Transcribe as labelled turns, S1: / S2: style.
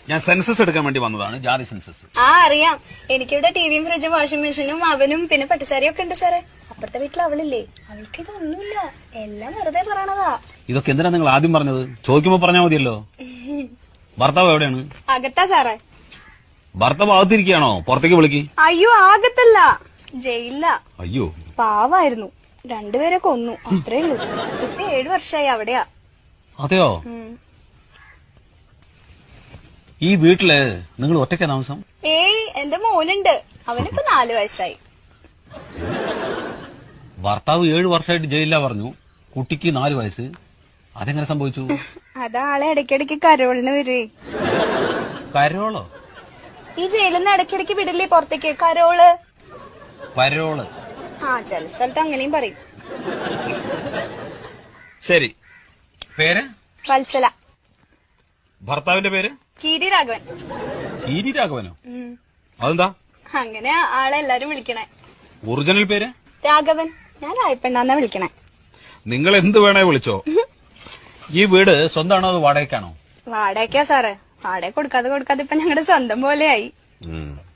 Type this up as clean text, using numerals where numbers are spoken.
S1: ഞാൻ സെൻസസ് എടുക്കാൻ വേണ്ടി വന്നതാണ്, ജാതി സെൻസസ്.
S2: അറിയാം. എനിക്കിവിടെ ടിവിയും ഫ്രിഡ്ജും വാഷിംഗ് മെഷീനും അവനും പിന്നെ പട്ടുസാരിയും ഒക്കെ ഉണ്ട് സാറേ. അപ്പുറത്തെ വീട്ടിൽ അവളില്ലേ, അവൾക്ക് ഇതൊന്നുമില്ല, എല്ലാം വെറുതെ പറയണതാ.
S1: ഇതൊക്കെ എന്തിനാ നിങ്ങൾ ആദ്യം പറഞ്ഞത്? ചോദിക്കുമ്പോ പറഞ്ഞാൽ മതിയല്ലോ. ഭർത്താവ് എവിടെയാണ്?
S2: അകത്താ സാറേ.
S1: ഭർത്താവ് അകത്തിരിക്കുകയാണോ? പുറത്തേക്ക് വിളിക്ക്.
S2: അയ്യോ, ആകത്തല്ല, ജയിലില്ല.
S1: അയ്യോ,
S2: പാവായിരുന്നു, രണ്ടുപേരെ കൊന്നു, അത്രേ ഉള്ളൂ. ഇപ്പൊ 7 വർഷമായി അവിടെയാ.
S1: അതെയോ? ഈ വീട്ടില് നിങ്ങൾ ഒറ്റയ്ക്കാ താമസം?
S2: ഏയ്, എന്റെ മോനുണ്ട്, അവനിപ്പോ 4 വയസ്സായി.
S1: ഭർത്താവ് 7 വർഷമായിട്ട് ജയിലിലാ പറഞ്ഞു, കുട്ടിക്ക് 4 വയസ്സ്. അതെങ്ങനെ സംഭവിച്ചു?
S2: അതാളെ ഇടയ്ക്കിടയ്ക്ക് കരോളിന് വരുവേ.
S1: കരോളോ?
S2: ഈ ജയിലിൽ നിന്ന് ഇടയ്ക്കിടയ്ക്ക് വിടില്ലേ പുറത്തേക്ക്, കരോള്.
S1: പരോള്?
S2: ചില സ്ഥലത്ത് അങ്ങനെയും പറയും.
S1: ശരി, പേര്?
S2: വത്സല.
S1: ഭർത്താവിന്റെ പേര്?
S2: കീരി രാഘവൻ.
S1: കീരി രാഘവനോ? അതെന്താ
S2: അങ്ങനെ ആളെ എല്ലാരും വിളിക്കണേ.
S1: ഒറിജിനൽ പേര്?
S2: രാഘവൻ. ഞാൻ രായപ്പെണ്ണാന്നാ വിളിക്കണേ.
S1: നിങ്ങൾ എന്ത് വേണേ വിളിച്ചോ. ഈ വീട് സ്വന്തമാണോ അതോ വാടകയ്ക്കാണോ?
S2: വാടകയ്ക്കാ സാറേ. വാടക കൊടുക്കാതെ ഇപ്പൊ ഞങ്ങളുടെ സ്വന്തം പോലെയായി.